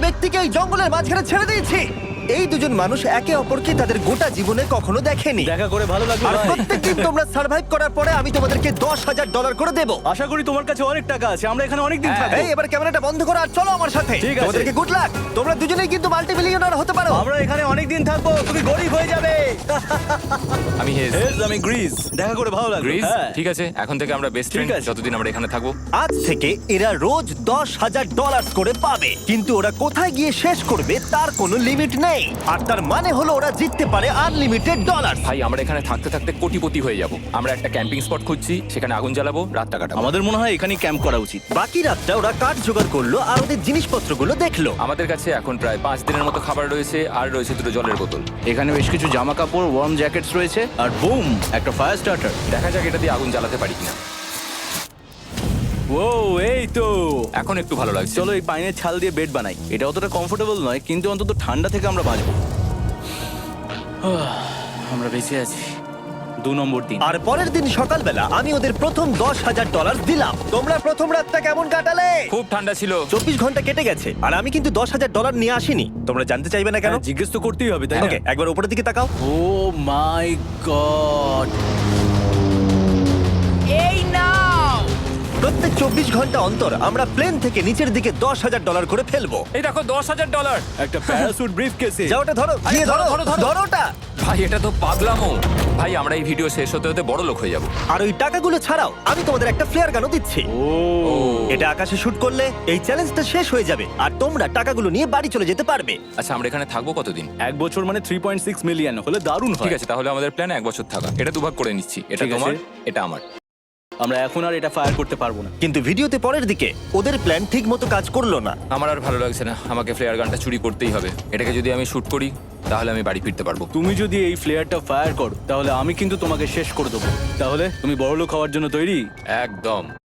ব্যক্তিকে এই জঙ্গলের মাঝখানে ছেড়ে দিয়েছি। এই দুজন মানুষ একে অপরকে তাদের গোটা জীবনে কখনো দেখেনি। দেখা করে ভালো লাগলো আর ভাই। প্রত্যেকদিন তোমরা সার্ভাইভ করার পরে আমি তোমাদেরকে $10,000 করে দেবো। আশা করি তোমার কাছে অনেক টাকা আছে, আমরা এখানে অনেক দিন থাকবো। এই এবার ক্যামেরাটা বন্ধ করো আর চলো আমার সাথে। ঠিক আছে। তোমাদেরকে গুড লাক। তোমরা দুজনেই কিন্তু মাল্টিমিলিয়নার হতে পারো। আমরা এখানে অনেক দিন থাকবো, তুমি গরিব হয়ে যাবে। আমি হেজ। আমি গ্রিস। দেখা করে ভালো লাগলো। গ্রিস হ্যাঁ। ঠিক আছে, এখন থেকে আমরা বেস্ট ফ্রেন্ড আছে। যতদিন আমরা এখানে থাকবো। আজ থেকে এরা রোজ $10,000 করে পাবে, কিন্তু ওরা কোথায় গিয়ে শেষ করবে তার কোনো লিমিট নেই। আর তার মানে হলো ওরা জিততে পারে আনলিমিটেড ডলার। ভাই আমরা এখানে থাকতে থাকতে কোটিপতি হয়ে যাব। আমরা একটা ক্যাম্পিং স্পট খুঁজছি, সেখানে আগুন জ্বালাবো, রাতটা কাটাবো। আমাদের মনে হয় এখানেই ক্যাম্প করা উচিত। বাকি রাতটা ওরা কাঠ জোগাড় করলো আর ওদের জিনিসপত্রগুলো দেখলো। আমাদের কাছে এখন প্রায় 5 দিনের মতো খাবার রয়েছে, আর রয়েছে 2 জলের বোতল। এখানে বেশ কিছু জামা কাপড়, ওয়ার্ম জ্যাকেটস রয়েছে, আর বুম, একটা ফায়ার স্টার্টার। দেখা যাক এটা দিয়ে আগুন জ্বালাতে পারি কিনা। ও এই তো। এখন একটু ভালো লাগছে। চলো এই পাইনের ছাল দিয়ে বেড বানাই। এটা অতটা কমফোর্টেবল নয়, কিন্তু অন্তত ঠান্ডা থেকে আমরা বাঁচবো। আমরা বেঁচে আছি। 2 নম্বর দিন। আর পরের দিন সকালবেলা আমি ওদের প্রথম $10,000 দিলাম। তোমরা প্রথম রাতটা কেমন কাটালে? খুব ঠান্ডা ছিল। 24 ঘন্টা কেটে গেছে আর আমি কিন্তু $10,000 নিয়ে আসিনি। তোমরা জানতে চাইবে না কেন? হ্যাঁ, জিজ্ঞেস তো করতেই হবে, তাই না? ওকে, একবার উপরের দিকে তাকাও। Oh my God. প্রত্যেক 24 ঘন্টা অন্তর আমরা প্লেন থেকে নিচের দিকে $10,000 করে ফেলবো। এই দেখো $10,000। একটা প্যারাসুট ব্রিফকেসে। যাও ওটা ধরো, আরে গিয়ে ধরো, ধরো, ধরো, ধরো। ধরো ওটা। ভাই এটা তো পাগলামো। ভাই আমরা এই ভিডিও শেষ হতে হতে বড় লোক হয়ে যাব। আর ওই টাকাগুলো ছাড়াও আমি তোমাদের একটা ফ্লেয়ার গানও দিচ্ছি। ও এটা আকাশে শুট করলে এই চ্যালেঞ্জটা শেষ হয়ে যাবে আর তোমরা টাকাগুলো নিয়ে বাড়ি চলে যেতে পারবে। আচ্ছা আমরা এখানে থাকবো কতদিন? 1 বছর মানে 3.6 মিলিয়ন হলে দারুণ হয়। ঠিক আছে, তাহলে আমাদের প্ল্যান 1 বছর থাকা। এটা দুভাগ করে নিচ্ছি, এটা ঠিক আছে। তোমার, এটা আমার। আমরা এখন আর এটা ফায়ার করতে পারবো না। কিন্তু ভিডিওতে পরের দিকে ওদের প্ল্যান ঠিক মতো কাজ করলো না। আমার আর ভালো লাগছে না, আমাকে ফ্লেয়ার গানটা চুরি করতেই হবে। এটাকে যদি আমি শুট করি তাহলে আমি বাড়ি ফিরতে পারবো। তুমি যদি এই ফ্লেয়ারটা ফায়ার করো তাহলে আমি কিন্তু তোমাকে শেষ করে দেবো। তাহলে তুমি বড়লোক হওয়ার জন্য তৈরি? একদম।